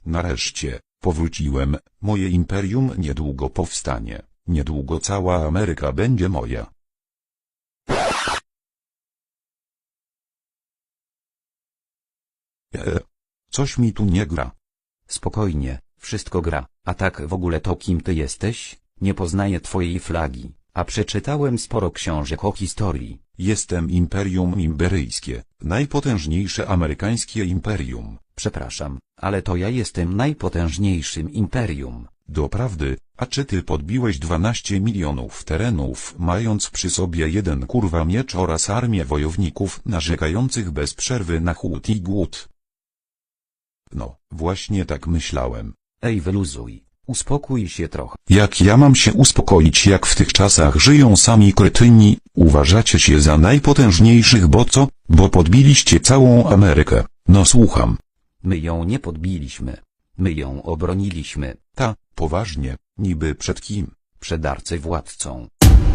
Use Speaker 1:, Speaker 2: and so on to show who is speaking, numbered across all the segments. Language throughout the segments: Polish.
Speaker 1: Nareszcie, powróciłem, moje imperium niedługo powstanie, niedługo cała Ameryka będzie moja. Coś mi tu nie gra.
Speaker 2: Spokojnie, wszystko gra, a tak w ogóle to kim ty jesteś? Nie poznaję twojej flagi, a przeczytałem sporo książek o historii.
Speaker 1: Jestem Imperium Imberyjskie, najpotężniejsze amerykańskie imperium.
Speaker 2: Przepraszam, ale to ja jestem najpotężniejszym imperium.
Speaker 1: Doprawdy, a czy ty podbiłeś 12 milionów terenów, mając przy sobie jeden kurwa miecz oraz armię wojowników narzekających bez przerwy na chłód i głód? No, właśnie tak myślałem.
Speaker 2: Ej, wyluzuj, uspokój się trochę.
Speaker 1: Jak ja mam się uspokoić, jak w tych czasach żyją sami kretyni? Uważacie się za najpotężniejszych, bo co? Bo podbiliście całą Amerykę. No słucham.
Speaker 2: My ją nie podbiliśmy. My ją obroniliśmy.
Speaker 1: Ta, poważnie, niby przed kim?
Speaker 2: Przed arcywładcą.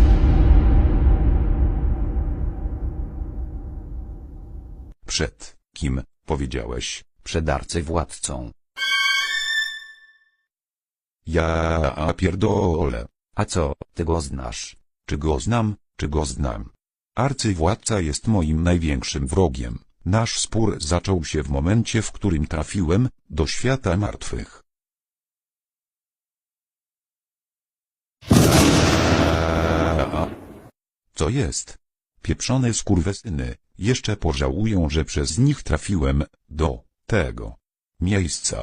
Speaker 1: Przed kim, powiedziałeś?
Speaker 2: Przed arcywładcą.
Speaker 1: Ja pierdolę.
Speaker 2: A co, ty go znasz?
Speaker 1: Czy go znam, czy go znam? Arcywładca jest moim największym wrogiem. Nasz spór zaczął się w momencie, w którym trafiłem do świata martwych. Co jest? Pieprzone skurwysyny, jeszcze pożałują, że przez nich trafiłem do tego miejsca.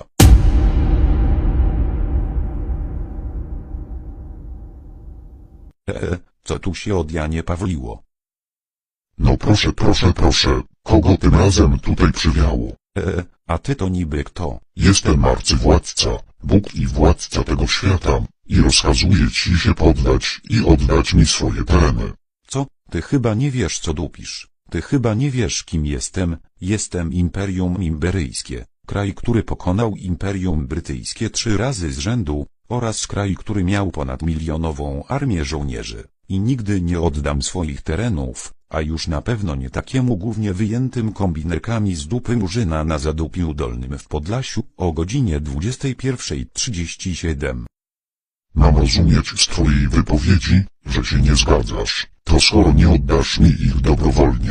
Speaker 1: Co tu się od Janie Pawliło?
Speaker 3: No proszę, kogo tym razem tutaj przywiało?
Speaker 1: A ty to niby kto?
Speaker 3: Jestem arcywładca, Bóg i władca tego świata, i rozkazuję ci się poddać i oddać mi swoje tereny.
Speaker 1: Co? Ty chyba nie wiesz, co dupisz. Ty chyba nie wiesz, kim jestem. Jestem Imperium Imberyjskie, kraj, który pokonał Imperium Brytyjskie 3 razy z rzędu, oraz kraj, który miał ponadmilionową armię żołnierzy. I nigdy nie oddam swoich terenów, a już na pewno nie takiemu głównie wyjętym kombinerkami z dupy Murzyna na Zadupiu Dolnym w Podlasiu o godzinie 21:37.
Speaker 3: Mam rozumieć z twojej wypowiedzi, że się nie zgadzasz. To skoro nie oddasz mi ich dobrowolnie,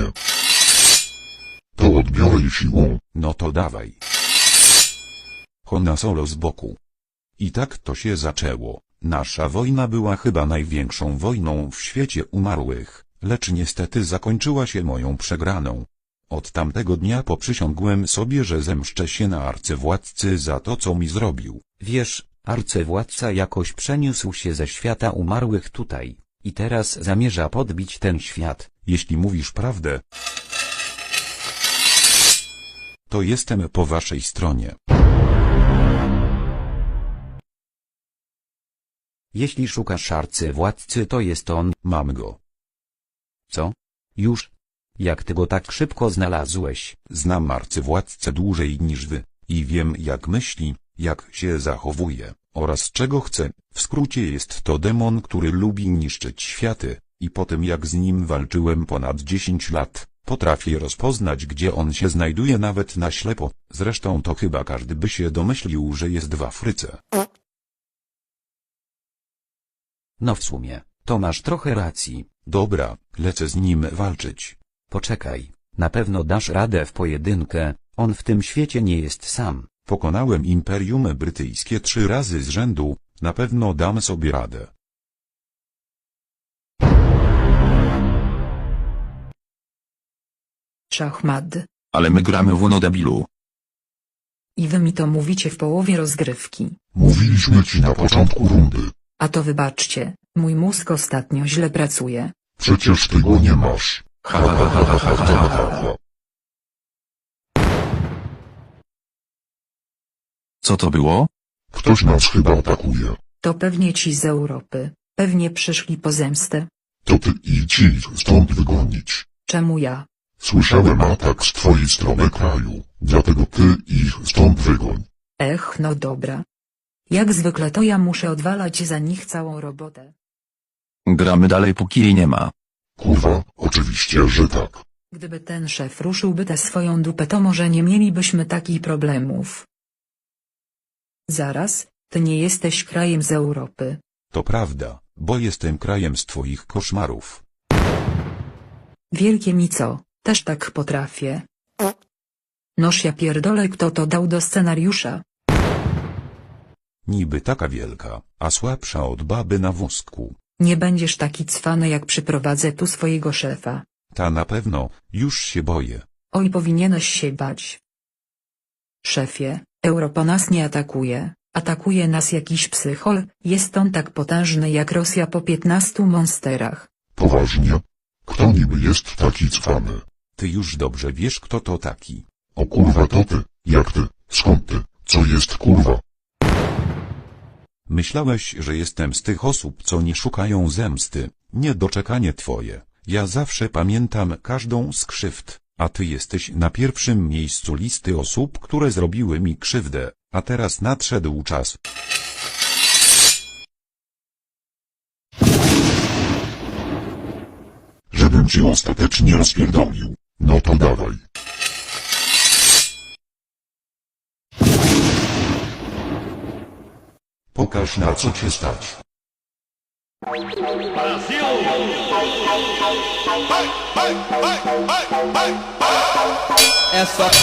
Speaker 3: to odbiorę je siłą.
Speaker 1: No to dawaj. Hona Solo z boku. I tak to się zaczęło. Nasza wojna była chyba największą wojną w świecie umarłych, lecz niestety zakończyła się moją przegraną. Od tamtego dnia poprzysiągłem sobie, że zemszczę się na arcywładcy za to, co mi zrobił.
Speaker 2: Wiesz, arcywładca jakoś przeniósł się ze świata umarłych tutaj, i teraz zamierza podbić ten świat.
Speaker 1: Jeśli mówisz prawdę, to jestem po waszej stronie.
Speaker 2: Jeśli szukasz arcywładcy, to jest on.
Speaker 1: Mam go.
Speaker 2: Co? Już? Jak ty go tak szybko znalazłeś?
Speaker 1: Znam arcywładcę dłużej niż wy, i wiem, jak myśli, jak się zachowuje, oraz czego chce. W skrócie jest to demon, który lubi niszczyć światy, i po tym jak z nim walczyłem ponad 10 lat, potrafię rozpoznać, gdzie on się znajduje nawet na ślepo. Zresztą to chyba każdy by się domyślił, że jest w Afryce.
Speaker 2: No w sumie, to masz trochę racji.
Speaker 1: Dobra, lecę z nim walczyć.
Speaker 2: Poczekaj, na pewno dasz radę w pojedynkę, on w tym świecie nie jest sam.
Speaker 1: Pokonałem Imperium Brytyjskie 3 razy z rzędu, na pewno dam sobie radę.
Speaker 4: Szachmat.
Speaker 5: Ale my gramy w Uno, debilu.
Speaker 4: I wy mi to mówicie w połowie rozgrywki.
Speaker 3: Mówiliśmy ci na początku rundy.
Speaker 4: A to wybaczcie, mój mózg ostatnio źle pracuje.
Speaker 3: Przecież ty go nie masz.
Speaker 5: Ha ha ha ha ha ha ha. Co to było?
Speaker 3: Ktoś nas chyba atakuje.
Speaker 4: To pewnie ci z Europy. Pewnie przyszli po zemstę.
Speaker 3: To ty idź ich stąd wygonić.
Speaker 4: Czemu ja?
Speaker 3: Słyszałem atak z twojej strony kraju, dlatego ty ich stąd wygoń.
Speaker 4: No dobra. Jak zwykle to ja muszę odwalać za nich całą robotę.
Speaker 5: Gramy dalej, póki jej nie ma.
Speaker 3: Kurwa, oczywiście, że tak.
Speaker 4: Gdyby ten szef ruszyłby tę swoją dupę, to może nie mielibyśmy takich problemów. Zaraz, ty nie jesteś krajem z Europy.
Speaker 1: To prawda, bo jestem krajem z twoich koszmarów.
Speaker 4: Wielkie mi co, też tak potrafię. Noż ja pierdolę, kto to dał do scenariusza.
Speaker 1: Niby taka wielka, a słabsza od baby na wózku.
Speaker 4: Nie będziesz taki cwany, jak przyprowadzę tu swojego szefa.
Speaker 1: Ta na pewno, już się boję.
Speaker 4: Oj, powinieneś się bać. Szefie, Europa nas nie atakuje, atakuje nas jakiś psychol, jest on tak potężny jak Rosja po 15 monsterach.
Speaker 3: Poważnie? Kto niby jest taki cwany?
Speaker 1: Ty już dobrze wiesz, kto to taki.
Speaker 3: O kurwa, to ty, jak ty, skąd ty, co jest kurwa?
Speaker 1: Myślałeś, że jestem z tych osób, co nie szukają zemsty. Niedoczekanie twoje. Ja zawsze pamiętam każdą z krzywd, a ty jesteś na pierwszym miejscu listy osób, które zrobiły mi krzywdę, a teraz nadszedł czas.
Speaker 3: Żebym cię ostatecznie rozpierdolił. No to dawaj. Pokaż, na co cię stać.
Speaker 6: É só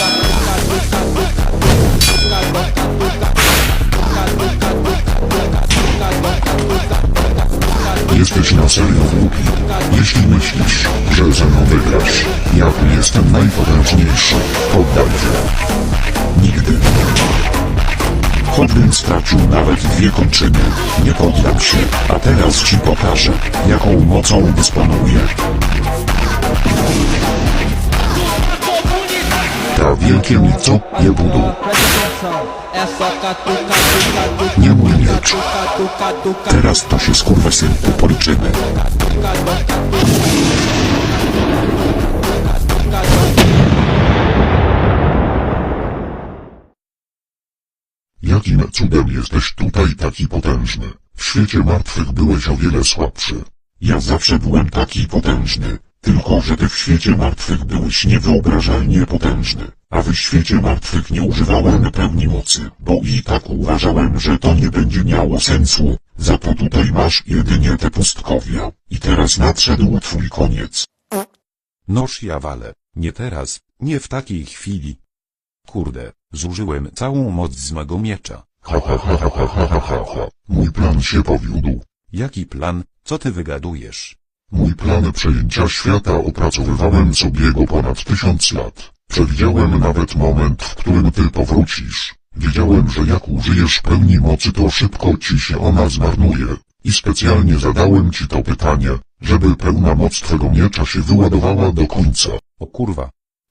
Speaker 3: Jesteś na serio głupi. Jeśli myślisz, że ze mną wygrasz, ja tu jestem najpotężniejszy. Poddaj się. Nigdy. Choćbym stracił nawet 2 kończyny, nie poddam się, a teraz ci pokażę, jaką mocą dysponuję. Ta wielkie mi co? Nie budu.
Speaker 6: É só catuca, tuca,
Speaker 3: Nie mój miecz. Teraz to się skurwysynku policzymy. Jakim cudem jesteś tutaj taki potężny? W świecie martwych byłeś o wiele słabszy. Ja zawsze byłem taki potężny, tylko że ty w świecie martwych byłeś niewyobrażalnie potężny, a w świecie martwych nie używałem pełni mocy, bo i tak uważałem, że to nie będzie miało sensu, za to tutaj masz jedynie te pustkowia. I teraz nadszedł twój koniec.
Speaker 1: Noż ja walę, nie teraz, nie w takiej chwili. Kurde, zużyłem całą moc z mego miecza.
Speaker 3: Ha ha ha ha ha ha ha ha ha. Mój plan się powiódł.
Speaker 1: Jaki plan, co ty wygadujesz?
Speaker 3: Mój plan przejęcia świata opracowywałem sobie go ponad 1000 lat. Przewidziałem nawet moment, w którym ty powrócisz. Wiedziałem, że jak użyjesz pełni mocy, to szybko ci się ona zmarnuje. I specjalnie zadałem ci to pytanie, żeby pełna moc twego miecza się wyładowała do końca.
Speaker 1: O kurwa.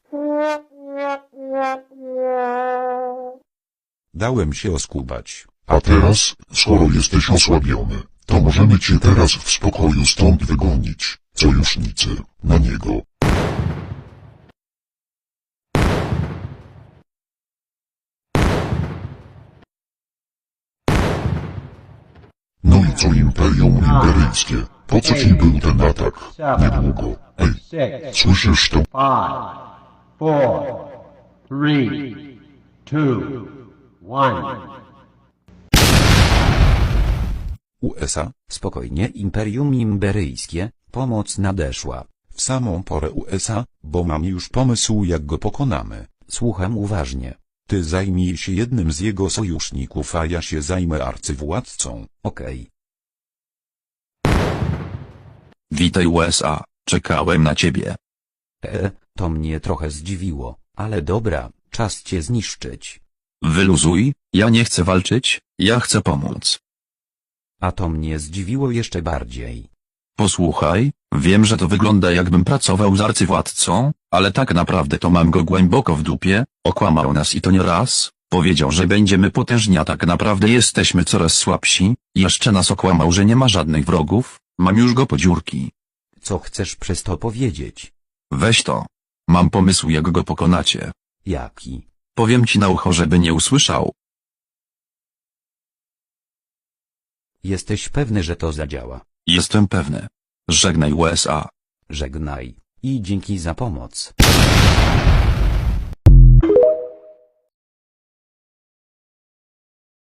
Speaker 1: Dałem się oskubać.
Speaker 3: A teraz, skoro jesteś osłabiony, to możemy cię teraz w spokoju stąd wygonić. Sojusznicy, na niego. No i co Imperium Imperyjskie? Po co ci był ten atak? Niedługo. Ej, słyszysz to?
Speaker 7: 5, 4, 3, 2, 1.
Speaker 1: USA,
Speaker 2: Spokojnie, Imperium Imberyjskie, pomoc nadeszła.
Speaker 1: w samą porę USA, bo mam już pomysł, jak go pokonamy.
Speaker 2: Słucham uważnie.
Speaker 1: Ty zajmij się jednym z jego sojuszników, a ja się zajmę arcywładcą.
Speaker 2: Okej.
Speaker 5: Witaj USA, czekałem na ciebie.
Speaker 2: To mnie trochę zdziwiło, ale dobra, czas cię zniszczyć.
Speaker 5: Wyluzuj, ja nie chcę walczyć, ja chcę pomóc.
Speaker 2: A to mnie zdziwiło jeszcze bardziej.
Speaker 5: Posłuchaj, wiem, że to wygląda jakbym pracował z arcywładcą, ale tak naprawdę to mam go głęboko w dupie, okłamał nas i to nie raz, powiedział, że będziemy potężni, a tak naprawdę jesteśmy coraz słabsi, i jeszcze nas okłamał, że nie ma żadnych wrogów, mam już go po dziurki.
Speaker 2: Co chcesz przez to powiedzieć?
Speaker 5: Weź to. Mam pomysł, jak go pokonacie.
Speaker 2: Jaki?
Speaker 5: Powiem ci na ucho, żeby nie usłyszał.
Speaker 2: Jesteś pewny, że to zadziała?
Speaker 5: Jestem pewny. Żegnaj USA.
Speaker 2: Żegnaj. I dzięki za pomoc.